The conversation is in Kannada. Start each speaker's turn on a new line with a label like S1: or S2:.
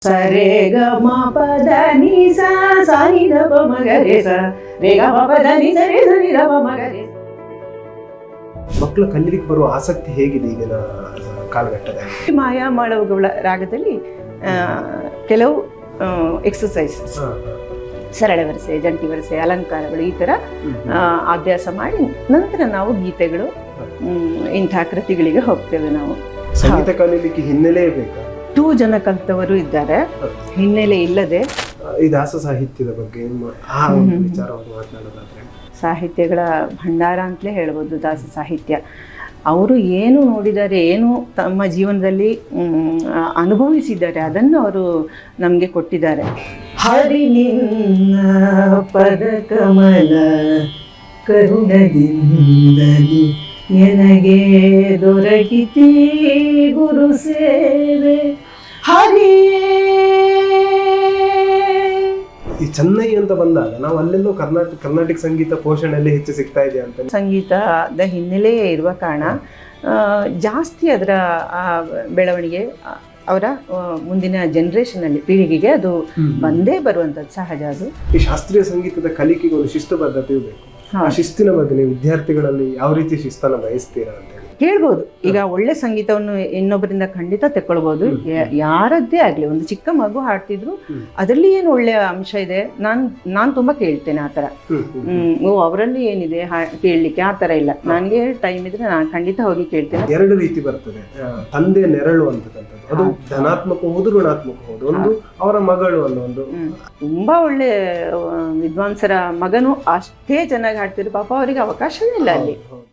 S1: ಸರೆ ಗ ಮ ಪದ ನಿ ಸ ಸ ನಿ ದ ಪ ಮ ಗ ರೆ ಸ ರೇ ಗ ಮ ಪದ ನಿ ಸ ರೇ ಸ ನಿ ದ ಪ ಮ ಗ ರೆ.
S2: ಮಕ್ಕಳು ಕಲೀಲಿಕ್ಕೆ ಬರುವ ಆಸಕ್ತಿ ಹೇಗಿದೆ ಈಗಿನ ಕಾಲಘಟ್ಟದಲ್ಲಿ?
S1: ಮಾಯಾಮಾಳವಗಳ ರಾಗದಲ್ಲಿ ಕೆಲವು ಎಕ್ಸಸೈಸಸ್, ಸರಳ ವರಸೆ, ಜಂಟಿ ವರಸೆ, ಅಲಂಕಾರಗಳು ಈ ಥರ ಅಭ್ಯಾಸ ಮಾಡಿ ನಂತರ ನಾವು ಗೀತೆಗಳು ಇಂಥ ಕೃತಿಗಳಿಗೆ ಹೋಗ್ತೇವೆ. ನಾವು
S2: ಸಂಗೀತ ಕಲೀಲಿಕ್ಕೆ ಹಿನ್ನೆಲೆ ಬೇಕಾ?
S1: 2 ಜನ ಕಲಿತವರು ಇದ್ದಾರೆ, ಹಿನ್ನೆಲೆ ಇಲ್ಲದೆ.
S2: ಈ ದಾಸ ಸಾಹಿತ್ಯದ ಬಗ್ಗೆ ಆ ಒಂದು ವಿಚಾರವನ್ನು ಮಾತನಾಡೋದಾದ್ರೆ,
S1: ಸಾಹಿತ್ಯಗಳ ಭಂಡಾರ ಅಂತಲೇ ಹೇಳ್ಬೋದು ದಾಸ ಸಾಹಿತ್ಯ. ಅವರು ಏನು ನೋಡಿದ್ದಾರೆ, ಏನು ತಮ್ಮ ಜೀವನದಲ್ಲಿ ಅನುಭವಿಸಿದ್ದಾರೆ, ಅದನ್ನು ಅವರು ನಮಗೆ ಕೊಟ್ಟಿದ್ದಾರೆ. ಹರಿ ನಿನ್ನ ಪದ ಕಮಲ ಕರುಣದಿಂದಲಿ ನನಗೆ ದೊರಕಿತಿ ಗುರು ಸೇವೆ ಹರಿಯೇ.
S2: ಈ ಚೆನ್ನೈ ಅಂತ ಬಂದಾಗ ನಾವು ಅಲ್ಲೆಲ್ಲೋ ಕರ್ನಾಟಕ ಸಂಗೀತ ಪೋಷಣೆಯಲ್ಲಿ ಹೆಚ್ಚು ಸಿಗ್ತಾ ಇದೆ ಅಂತ.
S1: ಸಂಗೀತದ ಹಿನ್ನೆಲೆಯೇ ಇರುವ ಕಾರಣ ಜಾಸ್ತಿ ಅದರ ಬೆಳವಣಿಗೆ ಅವರ ಮುಂದಿನ ಜನರೇಷನಲ್ಲಿ ಪೀಳಿಗೆಗೆ ಅದು ಬಂದೇ ಬರುವಂಥದ್ದು ಸಹಜ. ಅದು
S2: ಈ ಶಾಸ್ತ್ರೀಯ ಸಂಗೀತದ ಕಲಿಕೆಗೆ ಒಂದು ಶಿಸ್ತುಬದ್ಧತೆಯೂ ಬೇಕು. ಆ ಶಿಸ್ತಿನ ಬಗ್ಗೆ ನೀವು ವಿದ್ಯಾರ್ಥಿಗಳಲ್ಲಿ ಯಾವ ರೀತಿ ಶಿಸ್ತನ್ನು ಬಯಸ್ತೀರಾ ಅಂತ ಹೇಳಿ
S1: ಕೇಳ್ಬೋದು. ಈಗ ಒಳ್ಳೆ ಸಂಗೀತವನ್ನು ಇನ್ನೊಬ್ಬರಿಂದ ಖಂಡಿತ ತೆಕ್ಕೊಳ್ಬೋದು. ಯಾರದ್ದೇ ಆಗಲಿ, ಒಂದು ಚಿಕ್ಕ ಮಗು ಹಾಡ್ತಿದ್ರು ಅದರಲ್ಲಿ ಏನು ಒಳ್ಳೆಯ ಅಂಶ ಇದೆ, ನಾನು ತುಂಬ ಕೇಳ್ತೇನೆ ಆ ಥರ. ಅವರಲ್ಲಿ ಏನಿದೆ ಕೇಳಲಿಕ್ಕೆ, ಆ ಥರ ಇಲ್ಲ. ನನಗೆ ಟೈಮ್ ಇದ್ರೆ ನಾನು ಖಂಡಿತ ಹೋಗಿ ಕೇಳ್ತೇನೆ.
S2: 2 ರೀತಿ ಬರ್ತದೆ ತಂದೆ ನೆರಳು ಅಂತಕ್ಕಂಥದ್ದು. ಅದು ಧನಾತ್ಮಕ ಹೋದು ಋಣಾತ್ಮಕ ಹೋದು. ಒಂದು ಅವರ ಮಗಳು ಅನ್ನೋ ಒಂದು
S1: ತುಂಬಾ ಒಳ್ಳೆ ವಿದ್ವಾಂಸರ ಮಗನು ಅಷ್ಟೇ ಚೆನ್ನಾಗಿ ಹಾಡ್ತಿದ್ರು, ಪಾಪ ಅವರಿಗೆ ಅವಕಾಶವೇ ಇಲ್ಲ ಅಲ್ಲಿ.